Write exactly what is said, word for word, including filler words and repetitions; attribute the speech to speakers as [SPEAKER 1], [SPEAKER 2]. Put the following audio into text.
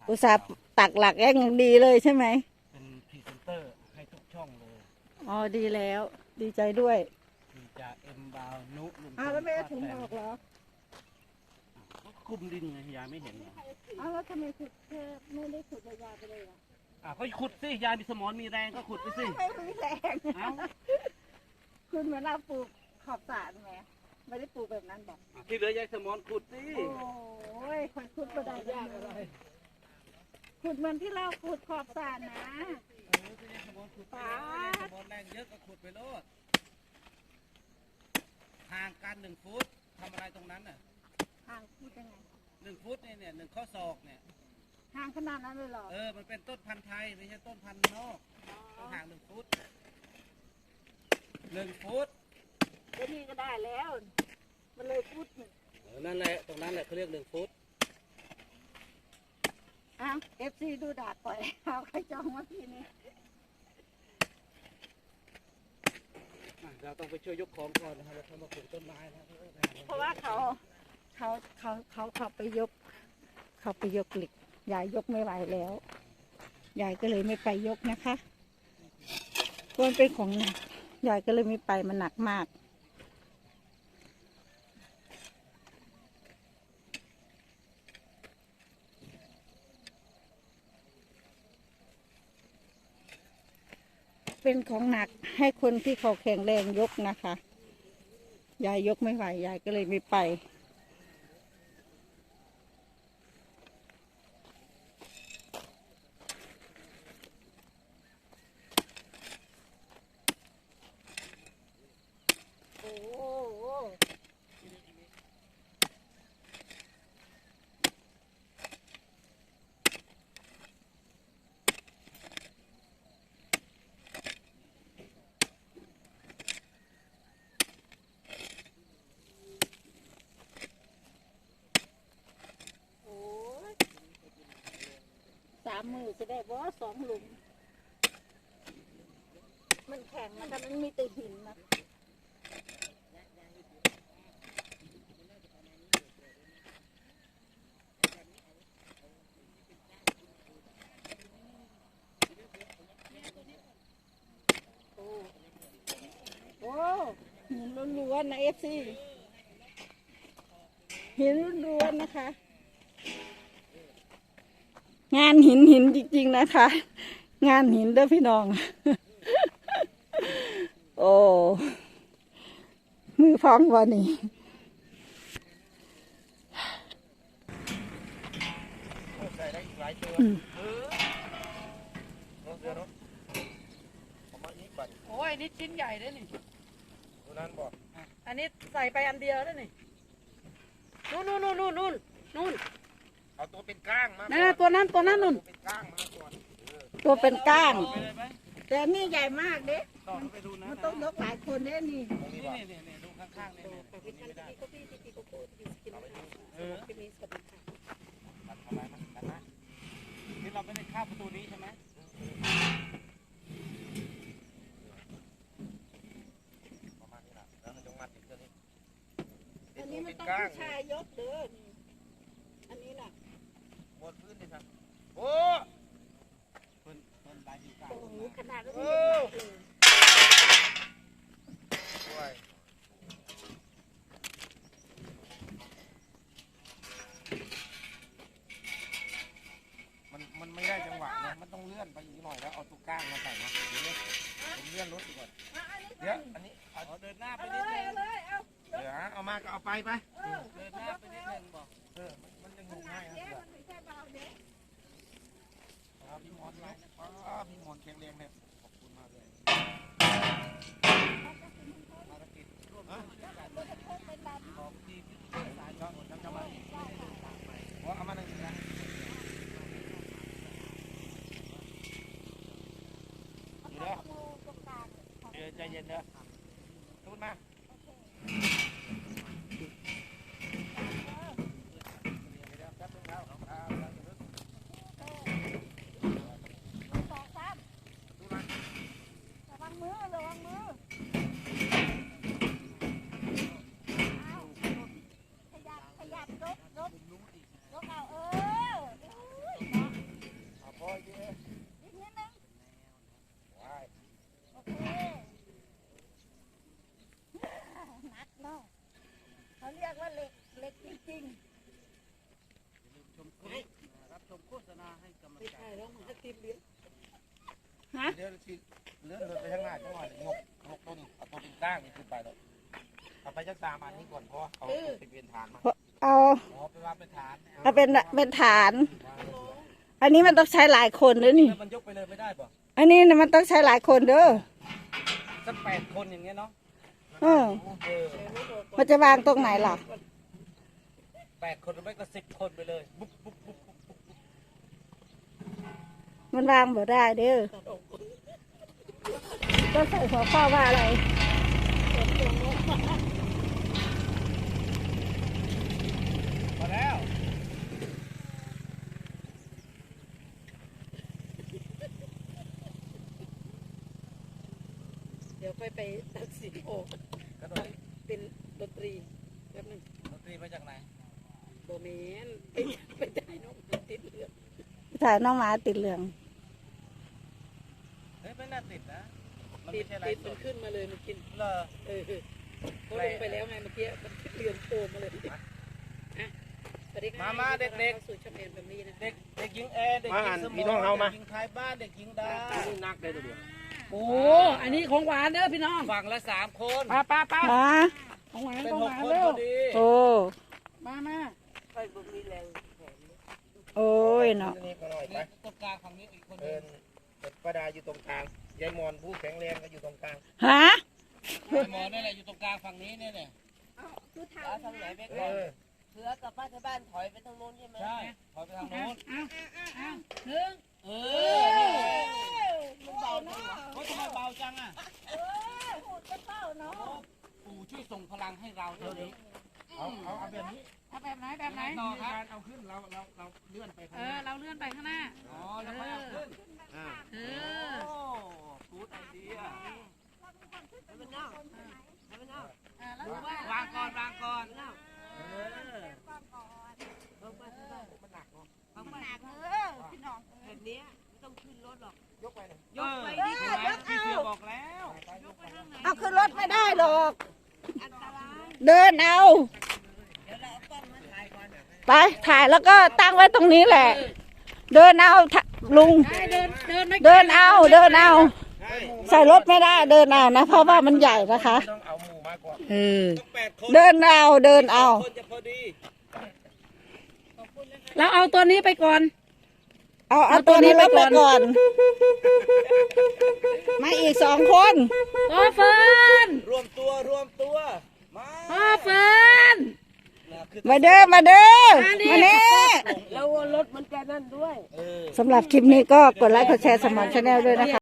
[SPEAKER 1] อุตส่าห์ตักหลักแอย่างดีเลยใช่ไหม
[SPEAKER 2] เป็นพรีเซนเตอร์ให้ทุกช่องเลย
[SPEAKER 1] อ๋อดีแล้วดีใจด้วย
[SPEAKER 2] มีจากเอ็มบาวนุลุงพล
[SPEAKER 1] อ้าวแล้วไม่เอาถุง
[SPEAKER 2] ป้า
[SPEAKER 1] อ
[SPEAKER 2] แต
[SPEAKER 1] อกเหรอ
[SPEAKER 2] ก็คุมดินไงยายไม่เห็นเหรอ
[SPEAKER 1] อ้าวแล้วทำไมขุดแค่ไม่ได้ขุดยาวๆไปเลยอ่ะ
[SPEAKER 2] อ่ะก็ขุดสิยายมีสมองมีแรงก็ขุดไปสิ
[SPEAKER 1] ไม่มีแรง
[SPEAKER 2] เอ้า
[SPEAKER 1] คุณเหมือนเราปลูกขอบสระไงไม่ได้ปลูกแบบนั้นบอก
[SPEAKER 2] อ่ะที่เหลือยายสมองขุดสิ
[SPEAKER 1] โอ้ยคนขุดก็ได้ยากอะไรขุดเหมือนที่เราขุดขอบสระนะ
[SPEAKER 2] เออที่ยายสมองขุดไปเลยยายสมองแรงเยอะก็ขุดไปโลดห่างกันหนึ่งฟุตทำอะไรตรงนั้นน่ะ
[SPEAKER 1] ห่างพูดยังไง
[SPEAKER 2] หนึ่งฟุตเนี่ยเนี่ยหนึ่งข้อศอกเนี่ย
[SPEAKER 1] ห่างขนาดนั้นเลยเหรอ
[SPEAKER 2] เออมันเป็นต้นพันธุ์ไทยไม่ใช่ต้นพันธุ์นอกต้องห่างหนึ่งฟุตหนึ่งฟุต
[SPEAKER 1] ไอ้นี่ก็ได้แล้ว มันเลยฟุตหนึ่ง
[SPEAKER 2] เออนั่นแหละตรงนั้นแหละเขาเรียกหนึ่งฟุต
[SPEAKER 1] อ้าวเอฟซีดูดาดปล่อยเอาใครจองมาพี่นี่
[SPEAKER 2] อ่ะเราต้องไปช่วยยกของก่อนนะครับแล้วเขามาปลูกต้นไม้นะ
[SPEAKER 1] เพราะว่าเขาเขาเขาเขาเขาไปยก เขาไปยกเหล็กยายยกไม่ไหวแล้ว ยายก็เลยไม่ไปยกนะคะเพราะมันเป็นของหนักยายก็เลยไม่ไปมันหนักมาก เป็นของหนักให้คนที่เขาแข็งแรงยกนะคะ ยายยกไม่ไหวยายก็เลยไม่ไป โอ้โหโอ้ยสามมือจะได้บ่สองหลุม มันแข็งนะคะมันมีแต่หินนะโอ้โอ้หินล้วนๆนะเอฟซีหินล้วนๆนะคะ งานหินหินจริงๆนะคะ งานหินเด้อพี่น้อง โอ้มือฟ้องวันนี้
[SPEAKER 2] ใส่ได้อีกหลายตัว
[SPEAKER 1] อืม
[SPEAKER 2] เออเนาะเดี๋ยวเนาะประมาณนี้ก่อน
[SPEAKER 3] โอ้ยนี่ชิ้นใหญ่เลยนี่
[SPEAKER 2] ดูนั้นบอก
[SPEAKER 3] อันนี้ใส่ไปอันเดียวแล้วนี่ นู่นนู่นนู่นนู่นนู่นนู่น
[SPEAKER 2] เอาตัวเป็นก้างมา
[SPEAKER 3] นั่นน่ะตัวนั้นตัวนั้นนู่น
[SPEAKER 2] ตัวเป็นก้างมาก่อน
[SPEAKER 1] ตัวเป็นก้าง
[SPEAKER 2] ไปเลยไหม
[SPEAKER 1] แต่นี่ใหญ่มากเด้
[SPEAKER 2] ต่อไปดูนะ
[SPEAKER 1] มันต้องยกหลายคนเด้นี่
[SPEAKER 2] นี่นี่นี่นี่ดูข้างๆนี่นี่นี่ไม่ได้เออตัดทำไมมันตัดนะนี่เราไม่ได้ข้ามประตูนี้ใช่ไหมประมาณนี้แหละแล้วมันจงมัดอีกตัวนี้
[SPEAKER 1] อันนี้มันต้องผู้ชายยกเด้อนี่อันนี้น่ะ
[SPEAKER 2] หมดพื้นดิครับโอ้เพิ่นเพิ่นลายอยู่กลาง
[SPEAKER 1] โอ้โหขนาดก็
[SPEAKER 2] โอ้
[SPEAKER 1] ไม่ยกเลย
[SPEAKER 2] ด้วยมันมันไม่ได้จังหวะนะมันต้องเลื่อนไปอีกหน่อยแล้วเอาตัวก้างมาใส่นะเดี๋ยวผมเลื่อนรถดีกว่าเดี๋ยวอันนี้เอาเดินหน้าไปนิดนึง
[SPEAKER 1] เลยเอา
[SPEAKER 2] เดี๋ยวเอามาก็เอาไปไป
[SPEAKER 1] เออ
[SPEAKER 2] เดินหน้าไปนิดนึงบอกเออมันยังงงง่ายครับ
[SPEAKER 1] เด้มันไม่ใช่เบาเด้
[SPEAKER 2] ครับพี่มอนนะอ๋อพี่มอนแข็งแรงเลยขอบคุณมากเลยภารกิจร่วมของทีมสายช่องจำจำมาเพราะเอามาหนึ่งนะเดี๋ยวเดี๋ยวใจเย็นเด้อพูดมา
[SPEAKER 1] หนักเนาะเขาเรียกว่าเหล็กเหล็กจริง
[SPEAKER 2] รับชมโฆษณาให้กำลัง
[SPEAKER 3] ไม่
[SPEAKER 2] ใจ
[SPEAKER 3] ใช่แล้วมาติดเลี้ยง
[SPEAKER 1] ๆฮะ
[SPEAKER 2] เดี๋ยวสิเลื่อนรถไปข้างหน้าจังหวะงกงกต้นเอาตัวเป็นก้างนี่ขึ้นไปแล้วเอาไปจักสามอันนี้ก่อนเพราะเอาไปเปลี่ยนฐานมา
[SPEAKER 1] เอา
[SPEAKER 2] อ๋อไปวางเป็นฐาน
[SPEAKER 1] เอาเป็นเป็นฐาน อันนี้มันต้องใช้หลายคนเด้อนี่
[SPEAKER 2] แล้วมันยกไปเลยไม่ได้ป่ะ
[SPEAKER 1] อันนี้น่ะมันต้องใช้หลายคนเด้อ
[SPEAKER 2] สักแปดคนอย่างเงี้ยเนาะ
[SPEAKER 1] เออ
[SPEAKER 2] เออ
[SPEAKER 1] มันจะวางตรงไหนล่ะ
[SPEAKER 2] แปดคนหรือไม่ก็สิบคนไปเลยบุ๊บบุ๊บบุ๊บบุ๊บบุ๊บ
[SPEAKER 1] มันวางบ่ได้เด้อก็ใส่หัวข้อว่าอะไร
[SPEAKER 2] พอแล้ว
[SPEAKER 3] เดี๋ยวค่อยไปตัดสินโอก
[SPEAKER 2] กระโดด
[SPEAKER 3] เป็นดนตรีแป๊บนึง
[SPEAKER 2] ดนตรีมาจากไหน
[SPEAKER 3] โบเมนไปไปได้น้องติดเลือด
[SPEAKER 1] ถ่ายน้องหมาติดเหลือง
[SPEAKER 2] เฮ้ยไม่น่าติดนะมัน
[SPEAKER 3] ติ
[SPEAKER 2] ไม่
[SPEAKER 3] ด
[SPEAKER 2] ใช่ไร
[SPEAKER 3] ติด
[SPEAKER 2] ส
[SPEAKER 3] มัน
[SPEAKER 2] ด
[SPEAKER 3] ขึ้นมาเลยมันกิน
[SPEAKER 2] เลอ
[SPEAKER 3] เออเขาลงไปแล้วไงเมื่อกี้มันขึ้นเรือนโตมาเลยอ่ะสวัสดีค่ะสู่ช่องเอ็นแบบนี้นะ
[SPEAKER 2] เด็กเด็กหญิงแอร์เด็กหญิงสมองเด็กหญิงท้ายบ้านเด็กหญิงดานักเลยตัวเดียว
[SPEAKER 3] โอ้อันนี้ของหวานเด้อพี่น้อง
[SPEAKER 2] ฝั่งละสามคน
[SPEAKER 3] ป้าป้าป้า
[SPEAKER 1] ฮะ
[SPEAKER 3] ของหวาน
[SPEAKER 2] เป็น
[SPEAKER 3] ของ
[SPEAKER 2] ห
[SPEAKER 3] ห
[SPEAKER 2] ก
[SPEAKER 3] วาน
[SPEAKER 2] คน
[SPEAKER 3] เร็
[SPEAKER 2] พ
[SPEAKER 3] ว
[SPEAKER 2] อดี
[SPEAKER 1] โอ้
[SPEAKER 3] มามา
[SPEAKER 1] โอ้ยเนาะ
[SPEAKER 2] นี่ก็หน่อยไปตรงกลางฝั่งนี้อีกคนนึงป้าดาอยู่ตรงกลางยายมอนผู้แข็งแรงก็อยู่ตรงกลาง
[SPEAKER 1] ฮะ
[SPEAKER 2] ยายมอนนี่แหละอยู่ตรงกลางฝั่งนี้เนี่ยเนี่ย
[SPEAKER 4] เอาทางไหนไป
[SPEAKER 2] เอ
[SPEAKER 4] ก่อน
[SPEAKER 2] อ
[SPEAKER 4] เสือกับป้าที่บ้านถอยไปทางโน้นใช่ไหม
[SPEAKER 2] ใช่ถอยไปทางโน้น
[SPEAKER 3] หนึ่ง
[SPEAKER 2] เออนี่
[SPEAKER 4] มันเบาจังวะ
[SPEAKER 2] เขาทำไมเบาจังอ่ะ
[SPEAKER 1] หูจะเต้าเนาะ
[SPEAKER 2] ปู่ช่วยส่งพลังให้เราเท่านี้เอาเอาเอาแบบนี้
[SPEAKER 3] เอาแบบไหนแบบไหน
[SPEAKER 2] ต่อครับเอาขึ้นเราเราเราเลื่อนไปข้าง
[SPEAKER 3] เอ
[SPEAKER 2] ห
[SPEAKER 3] อ
[SPEAKER 2] น้า
[SPEAKER 3] เราเลื่อนไปข้างหน้า
[SPEAKER 2] อ๋อแล้วค่อยเอาขึ้นอ่า
[SPEAKER 3] เอ
[SPEAKER 2] โอ้
[SPEAKER 3] อ
[SPEAKER 2] กูดไอเดีย
[SPEAKER 4] ให้มันเน่าให้มันเน่า
[SPEAKER 3] แล้วดูว่าว
[SPEAKER 2] างก่อนวางก่อน
[SPEAKER 4] เน่า
[SPEAKER 2] เออ
[SPEAKER 4] เอาไปที่บ้าน
[SPEAKER 2] มันหนักเนาะ
[SPEAKER 4] เอาไป
[SPEAKER 1] เออพี่น้อง
[SPEAKER 4] แบบเนี้ยไม่ต้องขึ้นรถหรอก
[SPEAKER 2] ยกไปเลย
[SPEAKER 4] ยกไป
[SPEAKER 2] เอ
[SPEAKER 4] ดิ
[SPEAKER 2] อเห็นไหมพี่เสือบอกแล้ว
[SPEAKER 1] เอาขึ้นรถไม่ได้หรอก
[SPEAKER 4] อันตราย
[SPEAKER 1] เดินเอา
[SPEAKER 4] เดี๋ยวเราเอากล้องมาถ่ายก่อน
[SPEAKER 1] ไปถ่ายแล้วก็ตั้งไว้ตรงนี้แหละ เดินเอาทะลุง
[SPEAKER 3] ได้เดินเดินไม่
[SPEAKER 1] เดินเอาเดินเอา
[SPEAKER 2] ใช่
[SPEAKER 1] ใส่รถไม่ได้เดินเอานะ เพราะว่ามันใหญ่นะคะ
[SPEAKER 2] ต้องเอาหมูมาก่อน
[SPEAKER 1] เออ
[SPEAKER 2] ต้องแปดคน
[SPEAKER 1] เดินเอาเดินเอา
[SPEAKER 2] คนจะพอดี
[SPEAKER 3] เราเอาตัวนี้ไปก่อน
[SPEAKER 1] เอาเอาตัวนี้ไปก่อน มาอีกสองคน
[SPEAKER 3] พ่อเฟิร์น
[SPEAKER 2] รวมตัวรวมตัวมา
[SPEAKER 3] พ่อเฟิร์น
[SPEAKER 1] มาเด้อมาเด้อมาเน่
[SPEAKER 4] แล้วรถมันจะนั่นด้วย
[SPEAKER 2] เออ
[SPEAKER 1] สำหรับคลิปนี้ก็กดไลค์กดแชร์สมอนชาแนลด้วยนะคะ